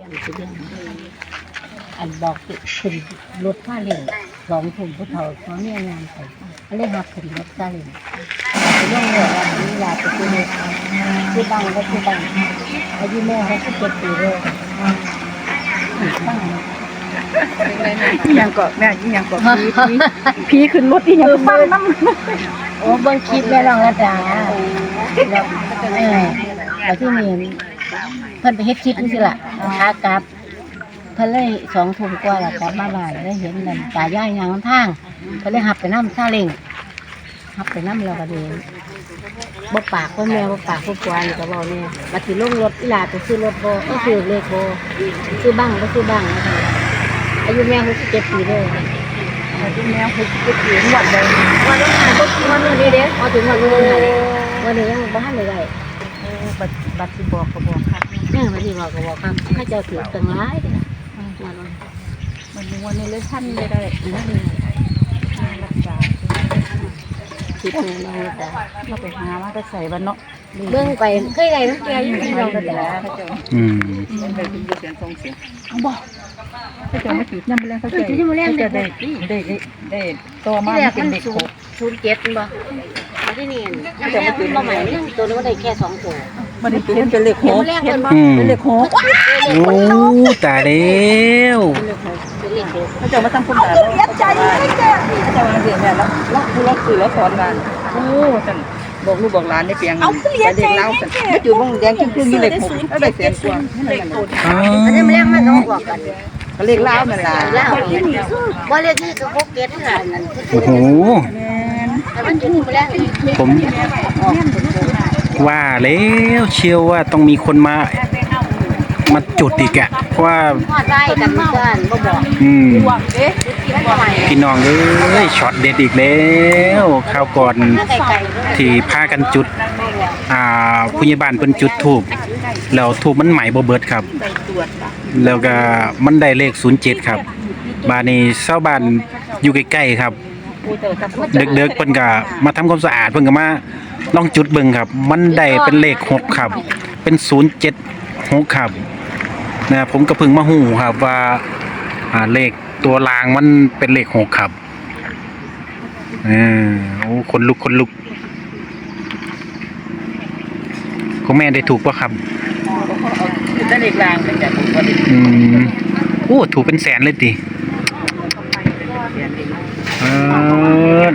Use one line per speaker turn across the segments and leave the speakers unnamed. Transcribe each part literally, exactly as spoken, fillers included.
สิเรื่องอันบอกขึ้นรถผ้าเล่งสองถุงผู้เฒ่าเขาเนี่ยงานไปเขาเลยหักขึ้นรถผ้าเล่งไปเรื่องเรื่องว่ามียาไปซื้อเลยซื้อบังก็ซื้อบังอายุแม่เขาก็เจ็ดปีเลยตั้ง
ยังก็แม่ยังก็พีพีขึ้นรถที่ยังฟังน้
ำโอ้เบิ้งคลิปแม่ลองระดาแล้วเออแล้วที่นี่เพิ่นไปเฮ็ดคลิปนี่สิล่ะขากลับเพิ่นเลยสองทุ่มกว่าแล้วกลับมาบ้านแล้วเห็นนั่นตายายยางทางเพิ่นเลยหับไปน้ำซาเล้งหับไปน้ำแล้วก็เดินบ่ปากบ่แม่บ่ปากบ่กวานก็เว้าแน่บัดสิลงรถอีหลาไปซื้อรถบ่ก็ซื้อเลขบ่ซื้อบังก็ซื้อบังอายุแม่หกสิบเจ็ดปีเลยอายุแม่หกสิบเจ็ดปีหมดเลยวันนั้นอ่ะก็วันนี้เด้พอถึงวันนี้วันนี้ยังบ่ทันได้ได้บัดบัดสิบอกก็บอกครับเออบัดสิบอกก็บอกครับข้าเจ้าถือตั้งหลายเด้อวันนั้นมันวันนี้เลยท่านได้ได้นั่นรักษาคิดแน่นอนจ้ะเราไปหาว่าจะใส่บ้านเนาะเบิ่งไปเคยได้น้ำแกอยู่ที่เราแต่
อืมได้ยินเสียงทรงเสียงเอาบ่เขาจะมาจุดยังไม่แรงเขาจะจะได้ได้ได้ตัวมาเป็นเด็กหก
ศูนย์เจ็ดบ่มาที่นี่ยังจะมาจุดมาใหม่ยังตัวนึงก็ได้แค่สองตัว
มันได้เป็นเป็นเล็กหกเป็นเล็กหก
โอ้ตายแล้ว
เขาจะมาทำคนตาเขาจะมาเขาจะมาเรียนแบบแล้วล็อกล็อกสื่อแล้วสอนกันโอ้จันบอกลูกบอกหลานในเปียงแต่เด็กเล่าแต่ไม่จุดบ้องแดงจึ้งๆนี่เล็กหกแล้วได้เสียงกว่า
อันนี้มันแรงมากต้องบอกกัน
ก็เล็กเล่านั่นแหละ
ว่าเรียกนี่คือพวกเก็ตนั่น
โอ้โหผมว่าแล้วเชื่อว่าต้องมีคนมามาจุดอีกอ่ะเพราะว่าอืมพี่น้องเอ้ยช็อตเด็ดอีกแล้วคราวก่อนที่พากันจุดอ่าผู้ใหญ่บ้านเพิ่นจุดธูปแล้วธูปมันไหม้บ่เบิดครับแล้วก็มันได้เลขศูนย์เจ็ดครับบ้านนี้ชาวบ้านอยู่ใกล้ๆครับเด็กๆเพิ่นก็มาทำความสะอาดเพิ่นก็มาลองจุดเบิ่งครับมันได้เป็นเลขหกครับเป็นศูนย์เจ็ดหกครับนะผมก็เพิ่งมาหูครับว่าอ่าเลขตัวรางมันเป็นเลขหกครับเออโอ้คนลุกคนลุกคุณแม่ได้ถูกป่ะครับ
ได้เลขรางเป็นแบบ
อืมโอ้ถูกเป็นแสนเลยดิเออ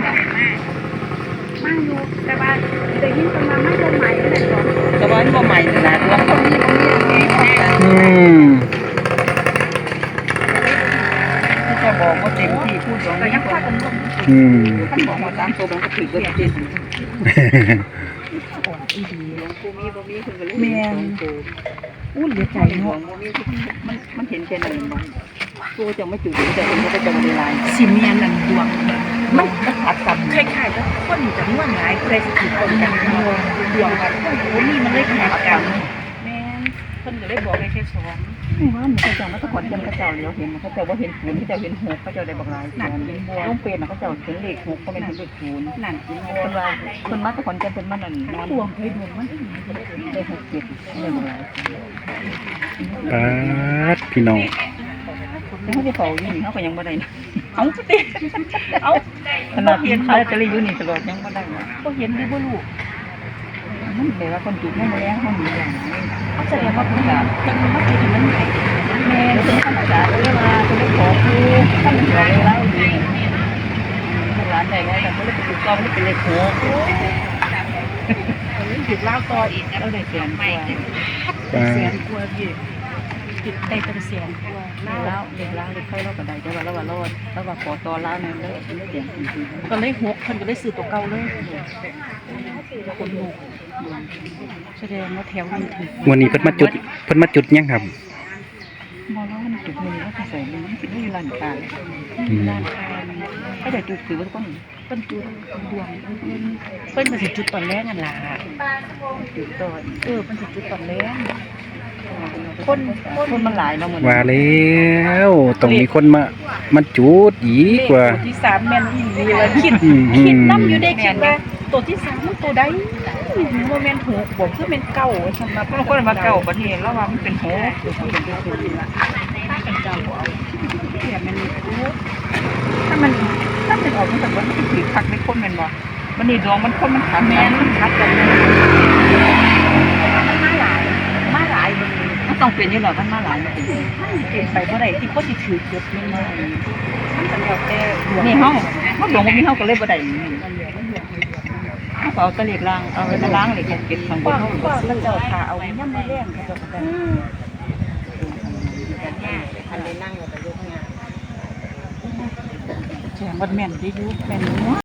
แต่ว่าได้ยินประมาณไม่บ่ใหม่เลยแต่ว่าบ่ใหม่ขนาดว่าคนนี้
อืม
จะบอกว่าเต็มที่พูดสองก็ยังพากันลง
อืม
ท่านบอกว่าตามตัวมันก็ถือว่าเต็มอ่อนอีดีหลวงปู่มีบ่มีเพิ่นก็เลยแม่นอู้เหลือใจเนาะบ่มีมันมันเห็นแค่นั้นบ่ตัวจังไม่จุดแต่เพิ่นก็จะบ่ได้ลายสิเมียนนั่นดวงมันขัดกันคล้ายๆกับคนจะม่วนหลายใครสิถูกคนกันดวงดวงกันโอ้นี่มันเลยขัดกันแม่นเพิ่นก็เลยบอกให้แค่สอนว่ามันเขาเจ้ามาตะกอนเจ้าเขาเจ้าเลี้ยวเห็นเขาเจ้าว่าเห็นศูนย์เขาเจ้าเห็นหกเขาเจ้าได้บอกหลายนั่นเป็นบัวต้องเป็นเขาเจ้าเห็นเลขหกเขาเป็นเห็นเลขศูนย์นั่นเป็นว่าคนมาตะกอนเจ้าเป็นมันนั่นดวงเคยดวงมันได้หกเจ็ดได้บอกหลาย
ปัดพี่น้อง
เขาจะเฝ้าอยู่นี่เขาก็ยังบ่ได้เอาติเอาขนาดเห็นเขาจะเลยอยู่นี่ตลอดยังบ่ได้ก็เห็นดีบ่รู้มันแปลว่าคนจุดไม่มาแล้วเขาหนีอย่างนี้เขาแสดงว่าเพิ่นจะเพิ่นมาจุดมันไหนแม่เป็นธรรมชาติเลยว่าเพิ่นได้ขอครูท่านขอเลยแล้วนี่ร้านใดไงแต่เพิ่นเลยไปจุดเก่าเพิ่นเป็นเลขหกจุดเล่าต่ออีกแล้วได้แสนกว่าแสนกว่าพี่จุดได้เป็นแสนกว่าแล้วเด็กแล้วเด็กค่อยเล่ากับใดแต่ว่าเราว่ารอดแล้วว่าขอต่อแล้วนั่นเลยเลยเสียงจริงๆก็เลยหกเพิ่นก็ได้ซื้อตัวเก่าเลยคนลูกแสดงว่าแถวนี้ถึง
วันนี้เพิ่นมาจุดเพิ่นมาจุดยังครับ
มองแล้วมันจุดมือแล้วก็ใส่มันไม่มีร้านค้าร้านค้าก็จะจุดถือว่าต้นต้นจุดดวงเพิ่นเพิ่นมาสิจุดตอนแรกนั่นล่ะจุดตอนเออมันสิจุดตอนแรกคนคนมันหลายเนาะเหมือน
ว่าแล้วต้องมีคนมามาจุดอีกว่า
ตัวที่สามแม่นอีหลีว่าคิด
อืม
คิดนำอยู่ได้คิดว่าตัวที่สามมันตัวใดบ่แม่นหกบ่คือแม่นเก้าสำหรับคนคนว่าเก้าประเทศแล้วว่ามันเป็นหกถ้ามันถ้าเป็นออกมันแบบว่ามันถือคักในคนแม่นบ่มันนี่ดวงมันคนมันขัดแม่นมันขัดกันเลยมันมาหลายมาหลายบ่มันต้องเป็นอยู่แล้วมันมาหลายมันเป็นเป็นไปบ่ได้ที่คนสิถือเก็บเงินมามันก็แล้วแต่นี่เฮาเฮาดวงบ่มีเฮาก็เลยบ่ได้เฮาเอาตะเล็กล้างเอาไปล้างเลยเก็บข้างบนเฮาก็มันเจ้าถ้าเอายามมื้อแลงเขาจะกันอันนี้นั่งอยู่กับลูกงานแจ้งว่าแม่นได้อยู่แม่น